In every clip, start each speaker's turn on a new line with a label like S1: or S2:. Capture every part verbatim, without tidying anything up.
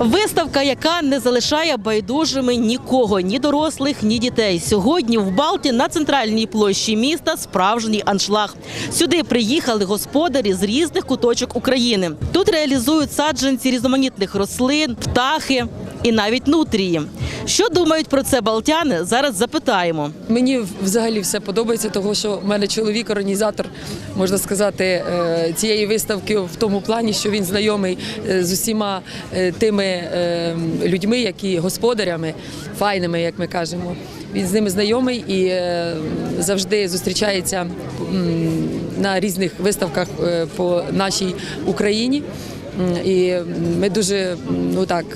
S1: Виставка, яка не залишає байдужими нікого, ні дорослих, ні дітей. Сьогодні в Балті на центральній площі міста справжній аншлаг. Сюди приїхали господарі з різних куточок України. Тут реалізують саджанці різноманітних рослин, птахи і навіть нутрії. Що думають про це балтяни, зараз запитаємо.
S2: Мені взагалі все подобається, тому що в мене чоловік організатор, можна сказати, цієї виставки в тому плані, що він знайомий з усіма тими людьми, які господарями, файними, як ми кажемо. Він з ними знайомий і завжди зустрічається на різних виставках по нашій Україні. І ми дуже, ну так,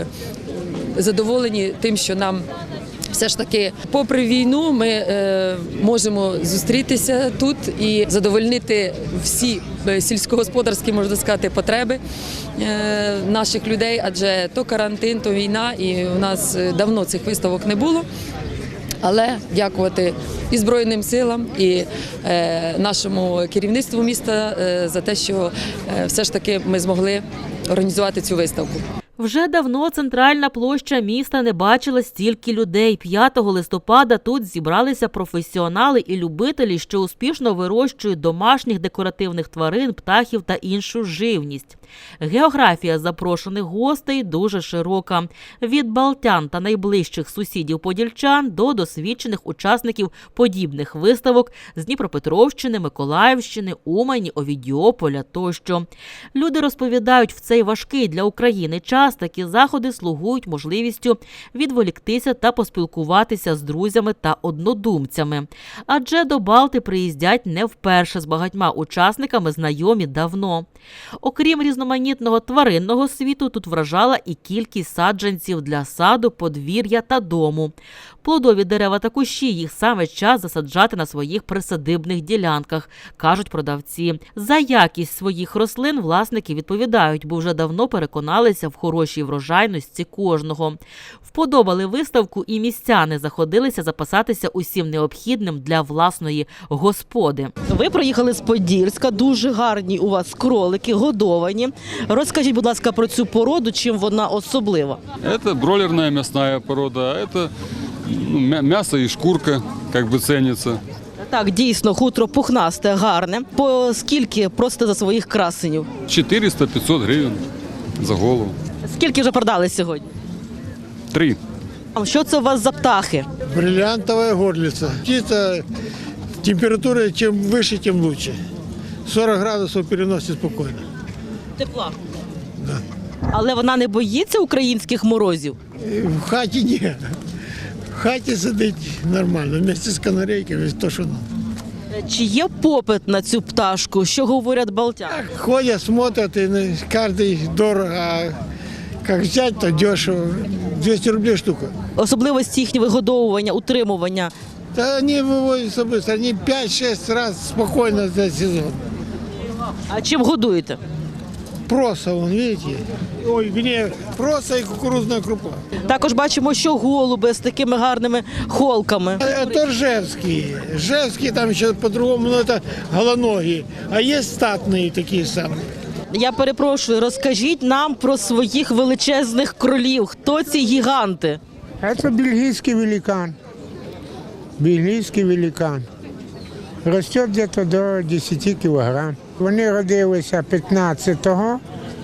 S2: задоволені тим, що нам все ж таки, попри війну, ми е, можемо зустрітися тут і задовольнити всі сільськогосподарські, можна сказати, потреби е, наших людей, адже то карантин, то війна, і у нас давно цих виставок не було. Але дякувати і Збройним силам, і е, нашому керівництву міста е, за те, що е, все ж таки ми змогли організувати цю виставку.
S1: Вже давно центральна площа міста не бачила стільки людей. п'ятого листопада тут зібралися професіонали і любителі, що успішно вирощують домашніх декоративних тварин, птахів та іншу живність. Географія запрошених гостей дуже широка. Від балтян та найближчих сусідів-подільчан до досвідчених учасників подібних виставок з Дніпропетровщини, Миколаївщини, Умані, Овідіополя тощо. Люди розповідають, в цей важкий для України час такі заходи слугують можливістю відволіктися та поспілкуватися з друзями та однодумцями. Адже до Балти приїздять не вперше, з багатьма учасниками знайомі давно. Окрім різноманітного тваринного світу, тут вражала і кількість саджанців для саду, подвір'я та дому. Плодові дерева та кущі їх саме час засаджати на своїх присадибних ділянках, кажуть продавці. За якість своїх рослин власники відповідають, бо вже давно переконалися в хорошій врожайності кожного. Вподобали виставку і містяни заходилися запасатися усім необхідним для власної господи. Ви приїхали з Подільська, дуже гарні у вас кролики, годовані. Розкажіть, будь ласка, про цю породу, чим вона особлива?
S3: Це бройлерна м'ясна порода, це м'ясо і шкурка, як би ціниться.
S1: Так, дійсно, хутро пухнасте, гарне. По скільки просите за своїх красенів?
S3: чотириста-п'ятсот гривень за голову.
S1: Скільки вже продали сьогодні?
S3: Три.
S1: А що це у вас за птахи?
S4: Бриллиантовая горлица. Птица, температура чем выше, тем лучше. сорок градусов переносит спокойно.
S1: Тепла.
S4: Да.
S1: Але вона не боїться українських морозів?
S4: В хаті ні. В хаті сидить нормально, вместе з канарейками, то, що надо.
S1: Чи є попит на цю пташку? Що говорять балтяни?
S4: Ходять, смотрят, и каждый дорого, а как взять, то дешево. двести рублей штука.
S1: Особливості їхнього вигодовування, утримування.
S4: Да они выводятся быстро, они пять-шесть раз спокойно за сезон.
S1: А чим годуєте?
S4: Проса, вон, видите? Ой, вернее, проса и кукурузная крупа.
S1: Також бачимо, що голуби з такими гарними холками.
S4: Это ржевские. Ржевские там еще по-другому, но это голоногие. А есть статные такие самые.
S1: Я перепрошую, розкажіть нам про своїх величезних кролів. Хто ці гіганти?
S5: Это бельгийский великан. Бельгийский великан. Растет где-то до десяти кілограм. Вони родилися п'ятнадцятого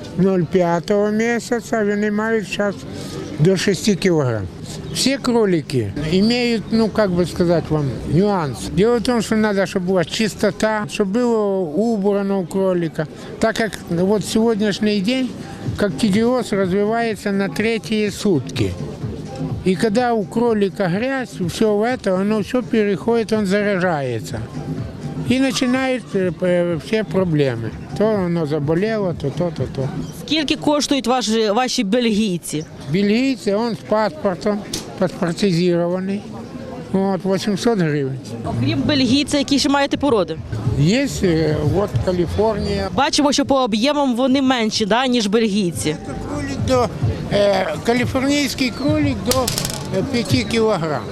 S5: п'ятого місяця, вони мають зараз до шести кілограм. Все кролики имеют, ну, как бы сказать вам, нюанс. Дело в том, что надо, чтобы была чистота, чтобы было убрано у кролика. Так как вот сегодняшний день коктидиоз развивается на третьи сутки. И когда у кролика грязь, все это, оно все переходит, он заражается. И начинают все проблемы. То воно заболело, то то, то то.
S1: Скільки коштують ваші, ваші бельгійці?
S5: Бельгийцы, он с паспортом, паспортизированный. Вот, вісімсот гривень.
S1: Окрім бельгійця, які ще маєте породи?
S5: Є, от Каліфорнія.
S1: Бачимо, що по об'ємам вони менші, да, ніж бельгійці.
S5: Кролик до, е, каліфорнійський кролик до п'яти кілограм.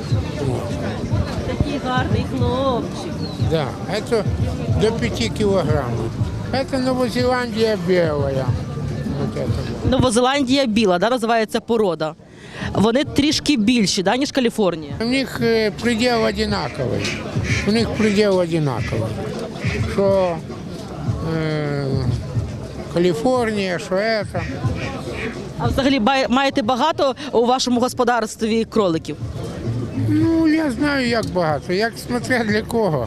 S1: Такий гарний хлопчик.
S5: Да, это до пяти килограммов. Это Новозеландия белая. вот это.
S1: Новозеландія біла, да, називається порода. Вони трішки більші, да, ніж Каліфорнія.
S5: У них э, предел одинаковый. У них предел одинаковый. Что э, Калифорния, что это.
S1: А взагалі бай- маєте багато у вашому господарстві кроликів?
S5: Ну, я знаю, як багато. Як смотря для кого.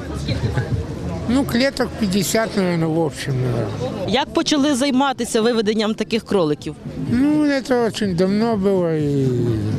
S5: Ну, клеток пятьдесят, наверное, в общем, наверное.
S1: Як почали займатися виведенням таких кроликів?
S5: Ну, это очень давно было. И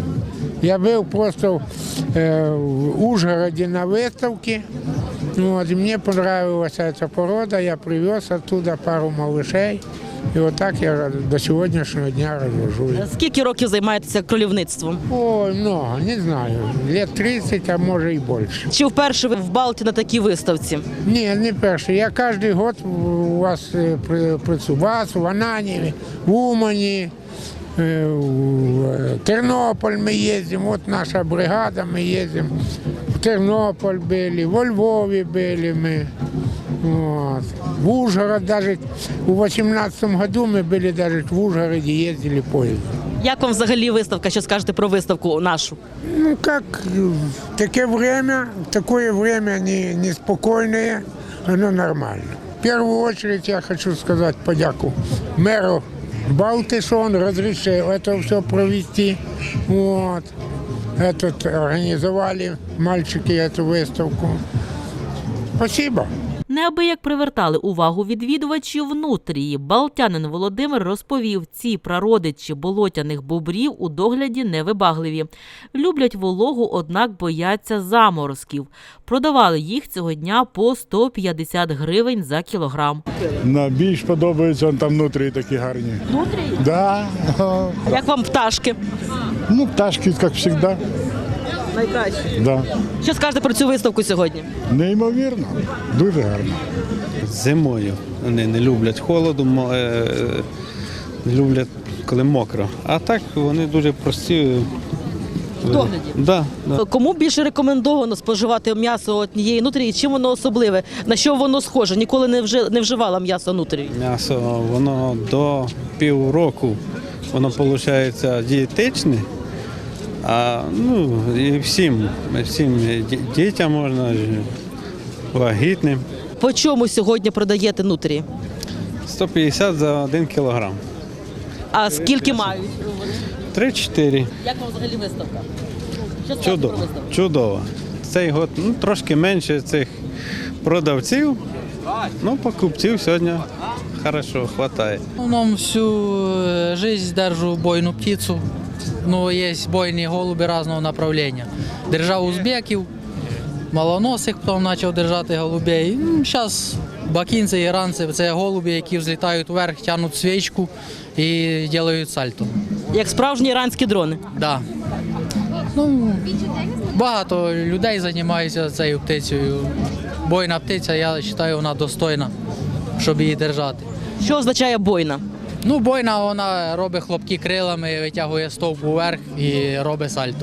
S5: я был просто э, в Ужгороде на выставке. Вот, и мне понравилась эта порода. Я привез оттуда пару малышей. И вот так я до сегодняшнего дня развожу.
S1: Скільки років займаєтеся кролівництвом?
S5: Ой, много, не знаю. Лет тридцать, а может и больше.
S1: Чи вперше ви в Балті на такій виставці?
S5: Ні, не перший. Я кожен год у вас е, при- працюю. У вас, в Ананіві, в Умані, е, в Тернополь ми їздимо. От наша бригада, ми їздимо. В Тернополь були, во Львові були ми. Вот. В Ужгород даже у восемнадцатом году мы были даже в Ужгороде, ездили поездом.
S1: Як вам взагалі виставка? Що скажете про виставку нашу?
S5: Ну как, в такое время, в такое время не, неспокойное, оно нормально. В первую очередь я хочу сказать подяку мэру Балты, что он разрешил это все провести. Вот. Этот, организовали мальчики эту выставку. Спасибо.
S1: Неабияк привертали увагу відвідувачів нутрії. Балтянин Володимир розповів, ці прародичі болотяних бобрів у догляді невибагливі. Люблять вологу, однак бояться заморозків. Продавали їх цього дня по сто п'ятдесят гривень за кілограм.
S6: На більш подобаються там внутрі такі гарні.
S1: Нутрії?
S6: Да.
S1: Як вам пташки?
S6: Ну, пташки, як завжди.
S1: Найкраще.
S6: Да.
S1: Що скажете про цю виставку сьогодні?
S6: Неймовірно, дуже гарно.
S7: Зимою вони не люблять холоду, мо- е, не люблять, коли мокро. А так вони дуже прості.
S1: В догляді?
S7: Да, да.
S1: Кому більше рекомендовано споживати м'ясо однієї нутрії? Чим воно особливе? На що воно схоже? Ніколи не, вже, не вживала м'ясо нутрії.
S7: М'ясо воно до півроку воно виходить дієтичне. А ну і всім, всім ді- дітям можна, вагітним.
S1: По чому сьогодні продаєте нутрії?
S7: сто п'ятдесят за один кілограм.
S1: А скільки мають?
S7: три-чотири.
S1: Як вам взагалі виставка? Що скажете про
S7: Чудово.
S1: виставку?
S7: Чудово. Цей год ну, трошки менше цих продавців, ну покупців сьогодні хорошо, вистачає.
S8: В основном всю э, жизнь держу бойную птицу. Ну, есть бойные голуби разного направления. Держав узбеків, малоносих, потім почав держати голубей. Зараз бакінці, іранці – це голуби, які взлітають вверх, тягнуть свічку і роблять сальто.
S1: Як справжні іранські дрони.
S8: Да. Ну, багато людей займаються цією птицею. Бойна птиця, я вважаю, вона достойна, щоб її держати.
S1: Що означає бойна?
S8: Ну, бойна, вона робить хлопки крилами, витягує стовп вверх і робить сальто.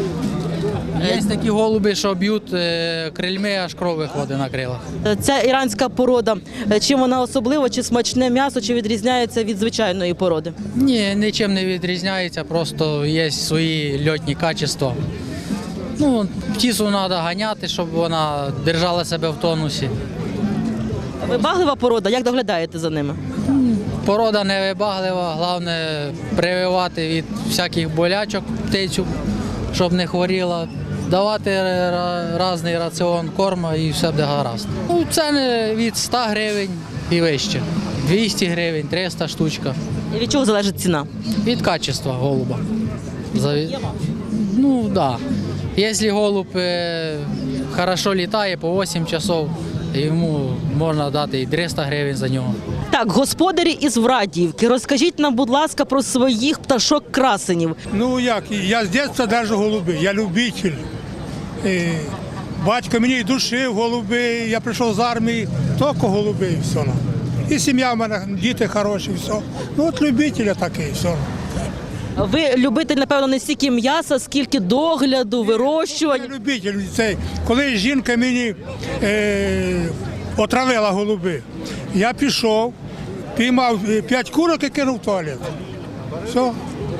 S8: Є такі голуби, що б'ють е, крильми, аж кров виходить на крилах.
S1: Ця іранська порода, чим вона особлива, чи смачне м'ясо, чи відрізняється від звичайної породи?
S8: Ні, нічим не відрізняється, просто є свої льотні качества. Ну, птицю треба ганяти, щоб вона держала себе в тонусі.
S1: Вибаглива порода, як доглядаєте за ними?
S8: Порода невибаглива, головне прививати від всяких болячок птицю, щоб не хворіла, давати ра- різний раціон корму і все буде гаразд. Ну, ціни від ста гривень і вище, двісті гривень, триста штучка.
S1: І від чого залежить ціна?
S8: Від качества голуба. Заві- Ну, так. Да. Якщо голуб е, хорошо літає по вісім часов, йому можна дати і триста гривень за нього.
S1: Так, господарі із Врадіївки, розкажіть нам, будь ласка, про своїх пташок-красенів.
S9: Ну як, я з дитинства держу голуби, я любитель. Е, Батько мені і душив голуби, я прийшов з армії, тільки голуби і все. І сім'я в мене, діти хороші, все. Ну от любитель я такий, все.
S1: Ви любитель, напевно, не стільки м'яса, скільки догляду, вирощування.
S9: Я любитель цей. Коли жінка мені е, отравила голуби, я пішов, піймав п'ять курок і кинув в туалет. Все.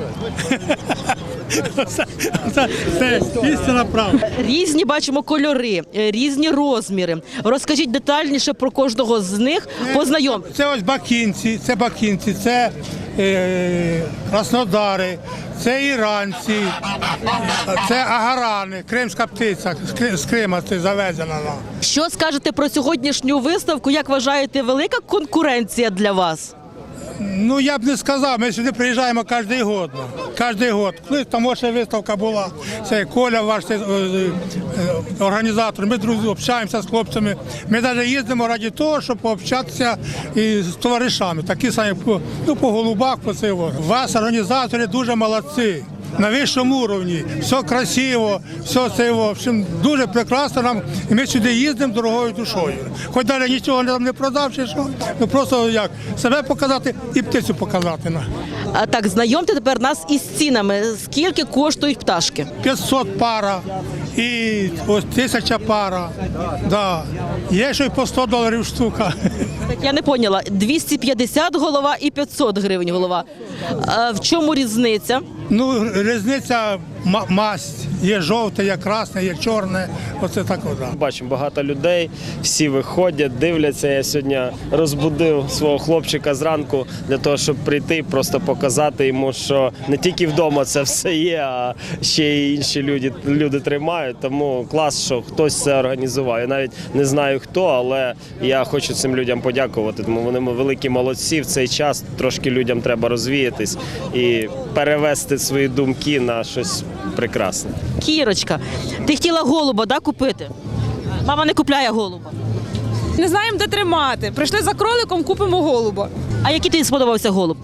S9: Це, це, це істинна правда.
S1: Різні бачимо кольори, е, різні розміри. Розкажіть детальніше про кожного з них. Познайом.
S9: Це ось бакінці, це бакінці, це е, краснодари, це іранці, це агарани, кримська птиця, з Кри- з Крима це завезена. вона.
S1: Що скажете про сьогоднішню виставку? Як вважаєте, велика конкуренція для вас?
S9: Ну, я б не сказав, ми сюди приїжджаємо кожен год. Кожен год. Колись там ще виставка була, це Коля, ваш це, е, е, організатор, ми друзі общаємося з хлопцями. Ми навіть їздимо раді того, щоб пообщатися із товаришами, такі самі по, ну, по голубах, по цього. Вас, організатори, дуже молодці. На вищому рівні, все красиво, все це, в общем, дуже прекрасно нам, і ми сюди їздимо дорогою душою. Хоч далі нічого нам не продав, чи що, ну просто як, себе показати і птицю показати.
S1: А так, знайомте тепер нас із цінами. Скільки коштують пташки?
S9: п'ятсот пара і ось тисяча пара, да. Є ще й по сто доларів штука.
S1: Так я не поняла. двісті п'ятдесят голова і п'ятсот гривень голова. А в чому різниця?
S9: Ну, різниця ма- масть. Є жовте, є красне, є чорне. Оце так. Да.
S10: Бачимо багато людей, всі виходять, дивляться. Я сьогодні розбудив свого хлопчика зранку для того, щоб прийти і просто показати йому, що не тільки вдома це все є, а ще й інші люди, люди тримають. Тому клас, що хтось це організував. Я навіть не знаю хто, але я хочу цим людям подякувати, тому вони великі молодці. В цей час трошки людям треба розвіятись і перевести свої думки на щось прекрасне.
S1: Кірочка, ти хотіла голуба, да, купити? Мама не купляє голуба.
S11: Не знаємо, де тримати. Прийшли за кроликом, купимо голуба.
S1: А який тобі сподобався голуб?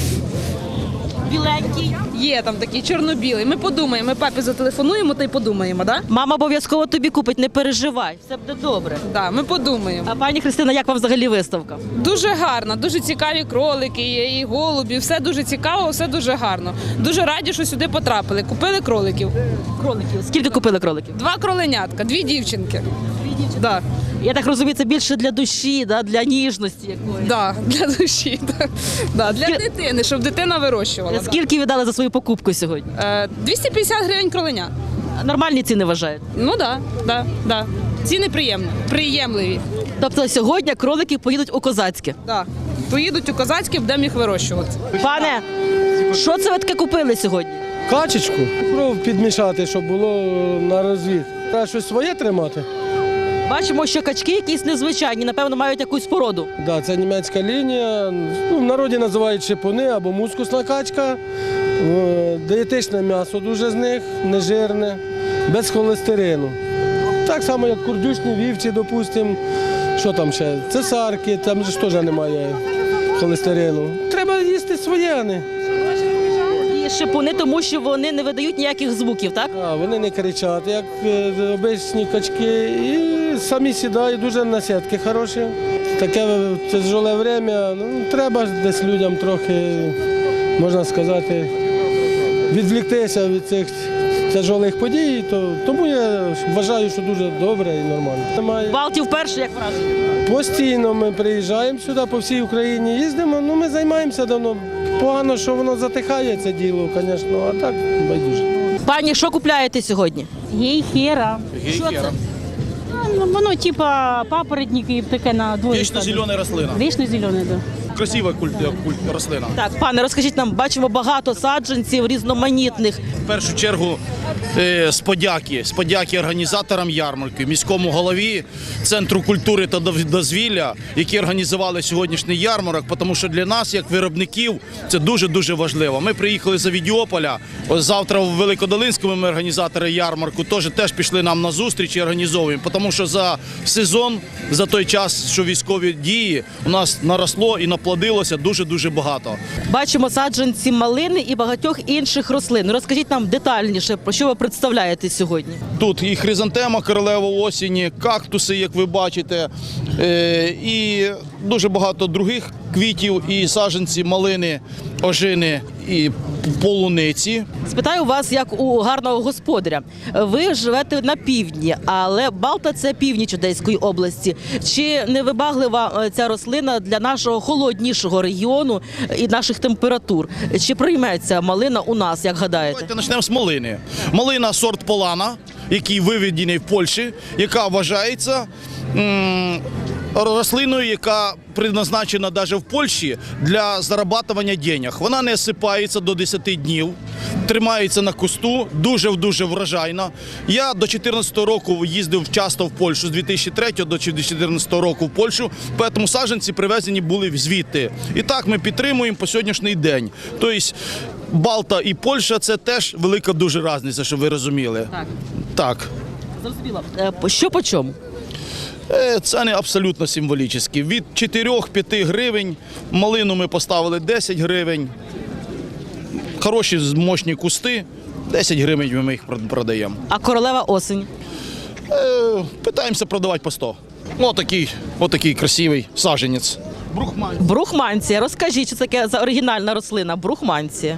S1: Біленький.
S11: Є там такий чорно-білий. Ми подумаємо, ми папі зателефонуємо та й подумаємо, да?
S1: Мама обов'язково тобі купить, не переживай, все буде добре.
S11: Да, ми подумаємо.
S1: А пані Христина, як вам взагалі виставка?
S11: Дуже гарно, дуже цікаві кролики, є і голубі, все дуже цікаво, все дуже гарно. Дуже раді, що сюди потрапили. Купили кроликів.
S1: Кроликів. Скільки купили кроликів?
S11: Два кроленятка, дві дівчинки. Дві дівчинки. Да.
S1: Я так розумію, це більше для душі, да? Для ніжності якоїсь.
S11: Да, для душі, да. Да, для
S1: Скільки-
S11: дитини, щоб дитина вирощувала. да.
S1: Скільки ви дали за свою покупку сьогодні?
S11: Е, двісті п'ятдесят гривень кроленя.
S1: Нормальні ціни вважаєте?
S11: Ну так, да, да, да. Ціни приємні, приємливі.
S1: Тобто сьогодні кролики поїдуть у Козацьке.
S11: Да. Поїдуть у Козацьке, будемо їх вирощувати.
S1: Пане, що це ви таке купили сьогодні?
S12: Качечку, кров підмішати, щоб було на розвід. Треба щось своє тримати.
S1: Бачимо, що качки якісь незвичайні, напевно, мають якусь породу.
S12: Да, це німецька лінія. Ну, в народі називають шипуни або мускусна качка. Е, Дієтичне м'ясо дуже з них, нежирне, без холестерину. Так само, як курдючні вівці, допустимо. Що там ще? Цесарки, там ж теж немає холестерину. Треба їсти своє, а не.
S1: І шипуни, тому що вони не видають ніяких звуків, так?
S12: А, вони не кричать, як е, обичні качки, і самі сідають, дуже насідки хороші. Таке тяжеле время, ну, треба ж десь людям трохи, можна сказати, відвліктися від цих тяжелих подій, то, тому я вважаю, що дуже добре і нормально. Немає.
S1: Балті вперше, як враження?
S12: Постійно ми приїжджаємо сюди, по всій Україні їздимо, ну ми займаємося давно. Погано, що воно затихає, це діло, звісно, а так байдуже.
S1: Пані, що купляєте сьогодні?
S13: Гейхера.
S1: Що це?
S13: Ну, воно типа папоротники таке на двоє.
S14: Вічно-зелена рослина.
S13: Вічно-зелене, да.
S14: Красива культ, культ, рослина.
S1: Так, пане, розкажіть нам, бачимо багато саджанців різноманітних.
S14: В першу чергу е, з подяки, з подяки організаторам ярмарки, міському голові, Центру культури та дозвілля, які організували сьогоднішній ярмарок, тому що для нас, як виробників, це дуже-дуже важливо. Ми приїхали з Авідіополя, ось завтра в Великодолинському ми організатори ярмарку теж, теж пішли нам на зустріч і організовуємо, тому що за сезон, за той час, що військові дії, у нас наросло і наплодилося дуже-дуже багато.
S1: Бачимо саджанці малини і багатьох інших рослин. Розкажіть нам детальніше, про що ви представляєте сьогодні.
S14: Тут і хризантема королева осені, кактуси, як ви бачите, е, і дуже багато других квітів і саджанці малини, ожини і полуниці.
S15: Спитаю вас, як у гарного господаря. Ви живете на півдні, але Балта – це північ Одеської області. Чи не вибаглива ця рослина для нашого холоднішого регіону і наших температур? Чи прийметься малина у нас, як гадаєте?
S14: Давайте почнемо з малини. Малина сорт Полана, який виведений в Польщі, яка вважається м, рослиною, яка призначена навіть в Польщі для зарабатування денег. Вона не осипається до десяти днів, тримається на кусту, дуже-дуже врожайна. Я до дві тисячі чотирнадцятого року їздив часто в Польщу, з дві тисячі третього до дві тисячі чотирнадцятого року в Польщу, тому саджанці привезені були звідти. І так ми підтримуємо по сьогоднішній день. Тобто Балта і Польща – це теж велика дуже різниця, щоб ви розуміли.
S15: Так.
S14: Так.
S15: Зрозуміло. Е, Що по чому?
S14: Е, Ціни абсолютно символічні. Від чотири-п'ять гривень, малину ми поставили десять гривень. Хороші мощні кусти, десять гривень ми їх продаємо.
S15: А королева осінь?
S14: Е, Питаємося продавати по сто. Отакий, отакий красивий саджанець. Брухманція.
S15: Брухманція. Розкажіть, що це таке за оригінальна рослина? Брухманція.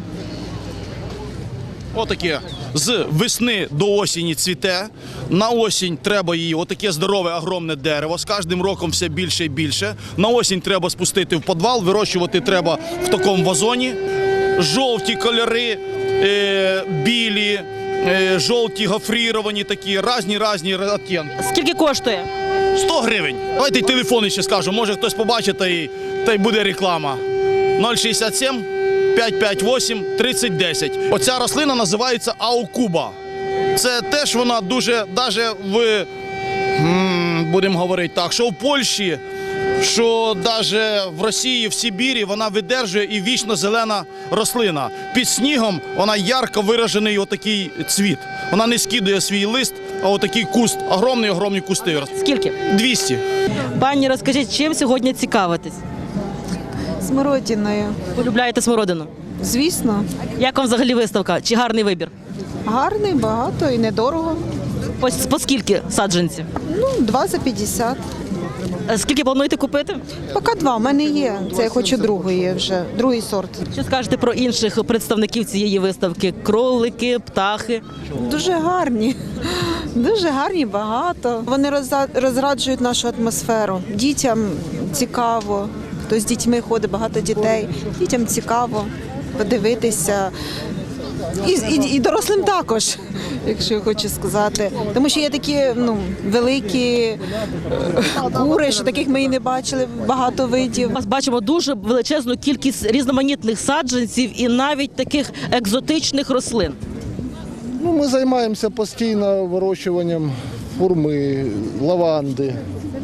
S14: Отаке з весни до осені цвіте. На осінь треба її, отаке здорове, огромне дерево. З кожним роком все більше і більше. На осінь треба спустити в підвал, вирощувати треба в такому вазоні. Жовті кольори, е, білі, е, жовті гофріровані такі, різні-різні відтінки.
S15: Скільки коштує?
S14: сто гривень. Давайте й телефони ще скажу, може хтось побачить та й, та й буде реклама. нуль шістдесят сім п'ятсот п'ятдесят вісім тридцять десять. Оця рослина називається аукуба. Це теж вона дуже, навіть в, будемо говорити так, що в Польщі, що навіть в Росії, в Сибірі вона видержує і вічно зелена рослина. Під снігом вона ярко виражений отакий цвіт. Вона не скидує свій лист, а отакий куст, огромні-огромні кусти.
S15: Скільки?
S14: двісті.
S15: Пані, розкажіть, чим сьогодні цікавитесь?
S16: Смородиною.
S15: Полюбляєте смородину?
S16: Звісно.
S15: Як вам взагалі виставка? Чи гарний вибір?
S16: Гарний, багато і недорого.
S15: По, по скільки саджанці?
S16: Ну, два за п'ятдесят.
S15: Е, Скільки плануєте купити?
S16: Поки два, в мене є. Це я хочу другої вже, другий сорт.
S15: Що скажете про інших представників цієї виставки? Кролики, птахи?
S16: Дуже гарні. Дуже гарні, багато. Вони роза- розраджують нашу атмосферу. Дітям цікаво. Хто з дітьми ходить, багато дітей. Дітям цікаво подивитися. І, і, і дорослим також, якщо я хочу сказати. Тому що є такі ну, великі е, кури, що таких ми і не бачили, багато видів.
S15: Ми бачимо дуже величезну кількість різноманітних саджанців і навіть таких екзотичних рослин.
S17: Ну, ми займаємося постійно вирощуванням фурми, лаванди.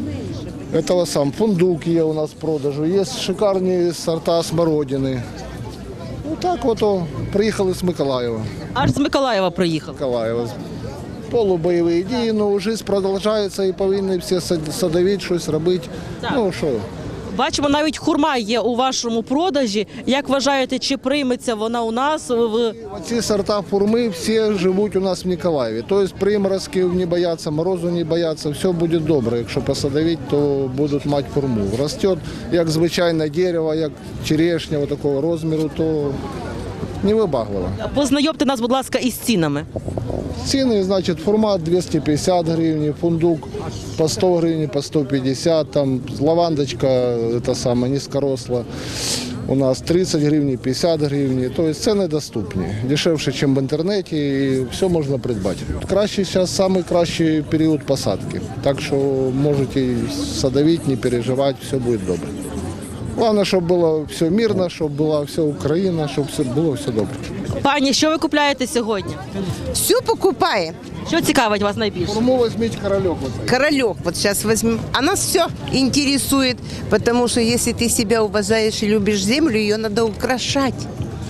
S17: Этого сам фундук є у нас в продажу, є шикарні сорта смородини. Ну так от о, приїхали з Миколаєва.
S15: Аж з Миколаєва приїхали.
S17: Миколаєва. Полубойові дії, ну життя продовжується і повинні всі садовити, щось робити.
S15: Так.
S17: Ну що?
S15: Бачимо, навіть хурма є у вашому продажі. Як вважаєте, чи прийметься вона у нас? В...
S17: Ці сорта фурми всі живуть у нас в Миколаєві. Тобто приморозків не бояться, морозу не бояться, все буде добре. Якщо посадовити, то будуть мати фурму. Росте, як звичайне дерево, як черешня такого розміру, то невибагливо.
S15: Познайомте нас, будь ласка, із цінами.
S17: Ціни, значить, фурма двісті п'ятдесят гривень, фундук по сто гривень, по сто п'ятдесят, там лавандочка, це саме, низькоросла, у нас тридцять гривень, п'ятдесят гривень, тобто ціни доступні, дешевше, ніж в інтернеті, і все можна придбати. Кращий зараз найкращий період посадки, так що можете садовити, не переживати, все буде добре. Головне, щоб було все мирно, щоб була вся Україна, щоб все було все добре.
S15: Пані, що ви купляєте сьогодні?
S18: Все покупаем.
S15: Що цікавить вас найбільше?
S17: Форму возьмите королек. Вот
S18: Королек вот сейчас возьмем. А нас все интересует, потому что если ты себя уважаешь и любишь землю, ее надо украшать.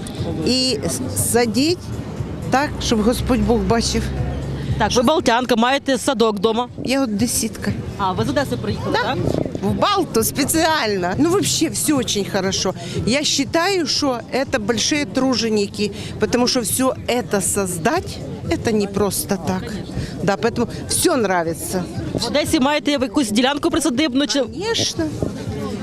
S18: И садить так, щоб Господь Бог бачив.
S15: Так, ви балтянка, маєте садок вдома?
S18: Я одесситка.
S15: А, ви з Одеси приїхали,
S18: Да.
S15: так?
S18: В Балту специально. Ну, вообще все очень хорошо. Я считаю, что это большие труженики, потому что все это создать, это не просто так. Да, поэтому все нравится.
S15: В Одесі маєте якусь ділянку присадибну? Чи...
S18: Конечно.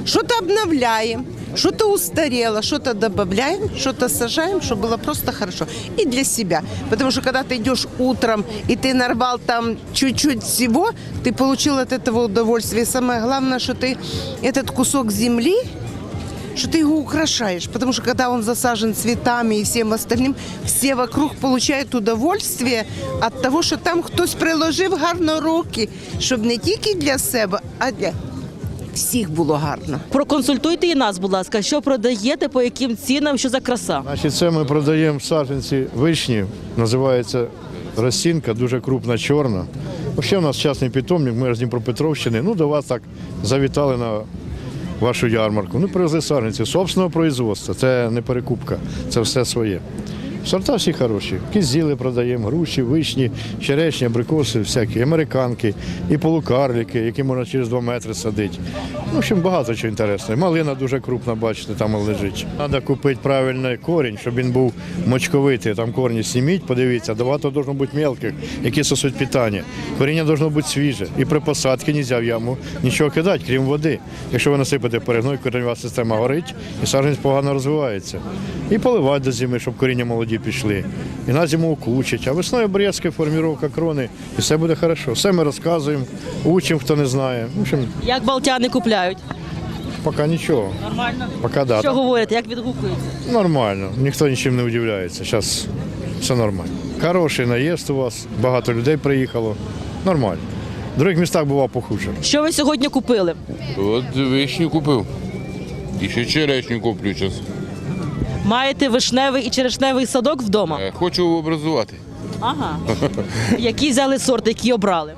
S18: что-то обновляем, что-то устарело, что-то добавляем, что-то сажаем, чтобы было просто хорошо. И для себя. Потому что когда ты идешь утром, и ты нарвал там чуть-чуть всего, ты получил от этого удовольствие. И самое главное, что ты этот кусок земли, что ты его украшаешь. Потому что когда он засажен цветами и всем остальным, все вокруг получают удовольствие от того, що там хтось приложив гарно руки, щоб не тільки для себе, а для всіх було гарно.
S15: Проконсультуйте і нас, будь ласка, що продаєте, по яким цінам, що за краса?
S19: Значить, це ми продаємо саджанці вишні, називається росінка, дуже крупна, чорна. Ще у нас частний питомник, ми з Дніпропетровщини. Ну, до вас так завітали на вашу ярмарку. Ну, привезли саджанці собственного производства, це не перекупка, це все своє. Сорта всі хороші. Кизіли продаємо, груші, вишні, черешні, абрикоси, всякі, американки і полукарлики, які можна через два метри садити. Ну, в общем, багато чого інтересного. Малина дуже крупна, бачите, там лежить. Треба купити правильний корінь, щоб він був мочковитий. Там корні сіміть, подивіться, багато має бути мелких, які сосуть питання. Коріння має бути свіже. І при посадці не можна в яму нічого кидати, крім води. Якщо ви насипите перегной, коренева система горить і саджанець погано розвивається. І поливати до зими, щоб коріння молоді пішли. І на зиму укучить. А весною обрізка, формування крони, і все буде добре. Все ми розказуємо, учимо, хто не знає. В общем,
S15: Як балтяни купляють?
S19: поки нічого.
S15: Нормально?
S19: Поки да.
S15: Що говорите, як відгукується?
S19: Нормально, ніхто нічим не удивляється. Зараз все нормально. Хороший наїзд у вас, багато людей приїхало. Нормально. В інших містах бував похуже.
S15: Що ви сьогодні купили?
S20: От вишню купив. І ще черешню куплю зараз.
S15: Маєте вишневий і черешневий садок вдома?
S20: Хочу образувати.
S15: Ага. Які взяли сорт, які обрали?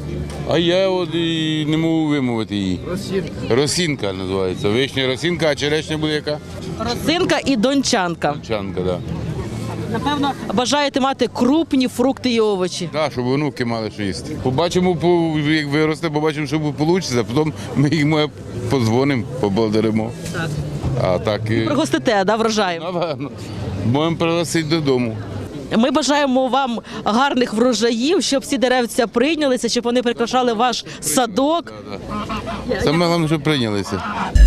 S20: А я от і не можу вимовити її. Росінка. Росінка називається. Вишня росінка, а черешня буде яка?
S15: Росинка і дончанка.
S20: Дончанка, так. Да.
S15: Напевно, бажаєте мати крупні фрукти і овочі.
S20: Так, щоб онуки мали що їсти. Побачимо, як виросте, побачимо, що вийде, а потім ми їм подзвонимо, поблагодаримо.
S15: Так.
S20: А так і...
S15: Пригостите, да, врожаєм?
S20: Напевно. Можемо пригласити додому.
S15: Ми бажаємо вам гарних врожаїв, щоб ці деревця прийнялися, щоб вони прикрашали ваш садок.
S20: Саме головне, щоб прийнялися.